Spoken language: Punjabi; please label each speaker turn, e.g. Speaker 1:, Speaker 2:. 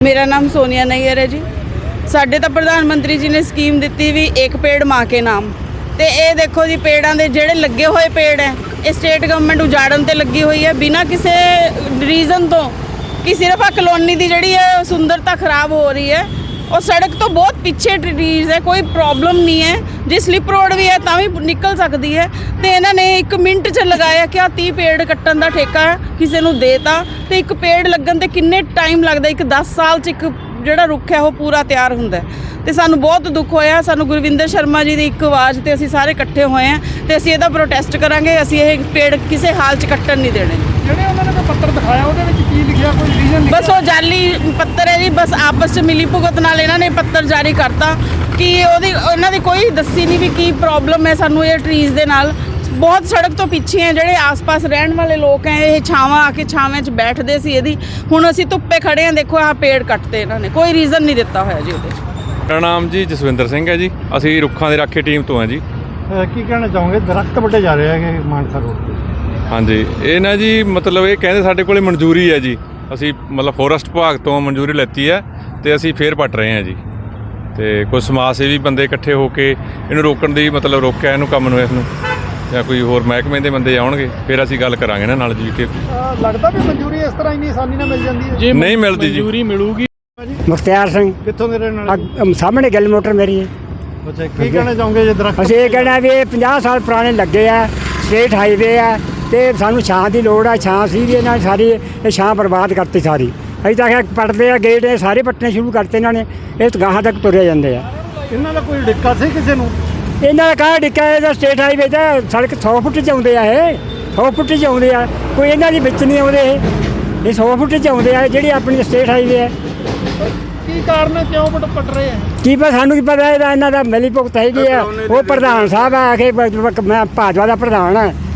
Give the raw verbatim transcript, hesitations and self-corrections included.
Speaker 1: मेरा नाम सोनिया नैयर है जी। साडे तो प्रधानमंत्री जी ने स्कीम दी भी एक पेड़ माँ के नाम। तो ये देखो जी पेड़ों के जोड़े लगे हुए पेड़ है ये स्टेट गवर्नमेंट उजाड़न ते लगी हुई है बिना किसी रीजन तो कि सिर्फ आ कलोनी की जी है सुंदरता खराब हो रही है और सड़क तो बहुत पीछे ट्रीज है, कोई प्रॉब्लम नहीं है। जी स्लिप रोड भी है तो भी निकल सकती है। तो इन्होंने एक मिनट च लगाया कि तीह पेड़ कट्टन का ठेका किसी को देता तो एक पेड़ लगन ते किन्ने टाइम लगता, एक दस साल च एक जोड़ा रुख है वो पूरा तैयार होंदा है। तो सानू बहुत दुख होया, सानू गुरविंदर शर्मा जी की एक आवाज़ ते असीं सारे इकट्ठे होए हैं तो असीं इहदा प्रोटेस्ट करांगे। असीं ये पेड़ किसी हाल च कट्टन नहीं देने।
Speaker 2: ਜਿਹੜੇ ਉਹਨਾਂ ਨੇ ਪੱਤਰ ਦਿਖਾਇਆ ਉਹਦੇ ਵਿੱਚ ਕੀ ਲਿਖਿਆ, ਕੋਈ ਰੀਜ਼ਨ
Speaker 1: बस वो जाली पत्तर है जी, बस आपस में मिली भुगत नाल इन्होंने पत्तर जारी करता कि ओदी उन्हां दी कोई दसी नहीं भी की प्रॉब्लम है सानू ये ट्रीज दे नाल। बहुत सड़क तो पीछे हैं ਜਿਹੜੇ आस-पास रहने वाले लोग हैं, ये छावां आके छावें च बैठते सी ਇਹਦੀ ਹੁਣ ਅਸੀਂ ਧੁੱਪੇ ਖੜੇ ਹਾਂ। ਦੇਖੋ ਆਹ ਪੇੜ ਕੱਟਦੇ ਇਹਨਾਂ ਨੇ, ਕੋਈ ਰੀਜ਼ਨ ਨਹੀਂ ਦਿੱਤਾ ਹੋਇਆ ਜੀ ਉਹਦੇ।
Speaker 3: ਮੇਰਾ ਨਾਮ ਜੀ ਜਸਵਿੰਦਰ ਸਿੰਘ ਹੈ ਜੀ, ਅਸੀਂ ਰੁੱਖਾਂ ਦੇ ਰਾਖੇ ਟੀਮ ਤੋਂ ਹਾਂ ਜੀ।
Speaker 2: ਕੀ ਕਹਿਣਾ ਚਾਹੋਗੇ, ਦਰਖਤ ਵੱਡੇ ਜਾ ਰਹੇ ਹੈਗੇ ਮਾਨਸਾ ਰੋਡ ਤੇ?
Speaker 3: ਹਾਂਜੀ ਇਹ ਨਾ ਜੀ ਮਤਲਬ ਇਹ ਕਹਿੰਦੇ ਸਾਡੇ ਕੋਲੇ ਮਨਜ਼ੂਰੀ ਹੈ ਜੀ, ਅਸੀਂ ਮਤਲਬ ਫੋਰੈਸਟ ਵਿਭਾਗ ਤੋਂ ਮਨਜ਼ੂਰੀ ਲੈਤੀ ਹੈ ਤੇ ਅਸੀਂ ਫੇਰ ਪੱਟ ਰਹੇ ਹਾਂ ਜੀ। ਤੇ ਕੁਝ ਸਮਾਜ ਸੇਵੀ ਬੰਦੇ ਇਕੱਠੇ ਹੋ ਕੇ ਇਹਨੂੰ ਰੋਕਣ ਦੀ ਮਤਲਬ ਰੋਕਿਆ ਇਹਨੂੰ ਕੰਮ ਨੂੰ, ਇਸ ਨੂੰ ਜਾਂ ਕੋਈ ਹੋਰ ਮਹਿਕਮੇ ਦੇ ਬੰਦੇ ਆਉਣਗੇ ਫਿਰ ਅਸੀਂ ਗੱਲ ਕਰਾਂਗੇ ਨਾ ਨਾਲ ਜੀ। ਕਿ
Speaker 2: ਲੱਗਦਾ ਵੀ ਮਨਜ਼ੂਰੀ ਇਸ ਤਰ੍ਹਾਂ ਇੰਨੀ ਆਸਾਨੀ ਨਾਲ ਮਿਲ ਜਾਂਦੀ ਹੈ?
Speaker 3: ਨਹੀਂ ਮਿਲਦੀ ਜੀ।
Speaker 2: ਮਨਜ਼ੂਰੀ ਮਿਲੂਗੀ।
Speaker 4: ਮੁਖਤਿਆਰ ਸਿੰਘ
Speaker 2: ਕਿੱਥੋਂ ਦੇ ਰਹਿਣ ਵਾਲੇ?
Speaker 4: ਅ- ਸਾਹਮਣੇ ਗਿੱਲ ਮੋਟਰ ਮੇਰੀ ਹੈ।
Speaker 2: ਅੱਛਾ, ਕੀ ਕਹਿਣਾ ਚਾਹੋਗੇ ਜੇ ਦਰਖਤ?
Speaker 4: ਅਸੀਂ ਇਹ ਕਹਿਣਾ ਵੀ ਇਹ ਪੰਜਾਹ ਸਾਲ ਪੁਰਾਣੇ ਲੱਗੇ ਆ, ਸਟੇਟ ਹਾਈਵੇ ਆ ਤੇ ਸਾਨੂੰ ਛਾਂ ਦੀ ਲੋੜ ਆ। ਛਾਂ ਸੀ ਵੀ ਇਹਨਾਂ ਨੇ ਸਾਰੀ ਇਹ ਛਾਂ ਬਰਬਾਦ ਕਰਤੀ ਸਾਰੀ। ਅਸੀਂ ਤਾਂ ਆਖਿਆ ਪੱਟਦੇ ਆ ਗੇਟ, ਇਹ ਸਾਰੇ ਪੱਟਣੇ ਸ਼ੁਰੂ ਕਰਤੇ ਇਹਨਾਂ ਨੇ, ਇਹ ਗਾਹਾਂ ਤੱਕ ਤੁਰੇ ਜਾਂਦੇ ਆ।
Speaker 2: ਇਹਨਾਂ ਦਾ ਕੋਈ ਡਿੱਕਾ ਸੀ ਕਿਸੇ ਨੂੰ?
Speaker 4: ਇਹਨਾਂ ਦਾ ਕਾਹ ਡਿੱਕਾ, ਇਹਦਾ ਸਟੇਟ ਹਾਈਵੇ ਦਾ ਸੜਕ ਸੌ ਫੁੱਟ 'ਚ ਆਉਂਦੇ ਆ, ਇਹ ਸੌ ਫੁੱਟ 'ਚ ਆਉਂਦੇ ਆ, ਕੋਈ ਇਹਨਾਂ ਦੀ ਵਿੱਚ ਨਹੀਂ ਆਉਂਦੇ। ਇਹ ਇਹ ਸੌ ਫੁੱਟ 'ਚ ਆਉਂਦੇ ਆ ਜਿਹੜੀ ਆਪਣੀ ਸਟੇਟ ਹਾਈਵੇ ਹੈ।
Speaker 2: ਕੀ ਕਾਰਨ ਹੈ, ਕਿਉਂ ਪੱਟ ਪੱਟ ਰਹੇ ਆ?
Speaker 4: ਕੀ ਪਤਾ, ਸਾਨੂੰ ਕੀ ਪਤਾ। ਇਹਦਾ ਇਹਨਾਂ ਦਾ ਮਿਲੀ ਭੁਗਤ ਹੈਗੀ ਆ। ਉਹ ਪ੍ਰਧਾਨ ਸਾਹਿਬ ਆ ਕੇ ਮੈਂ ਭਾਜਪਾ ਦਾ ਪ੍ਰਧਾਨ ਆ,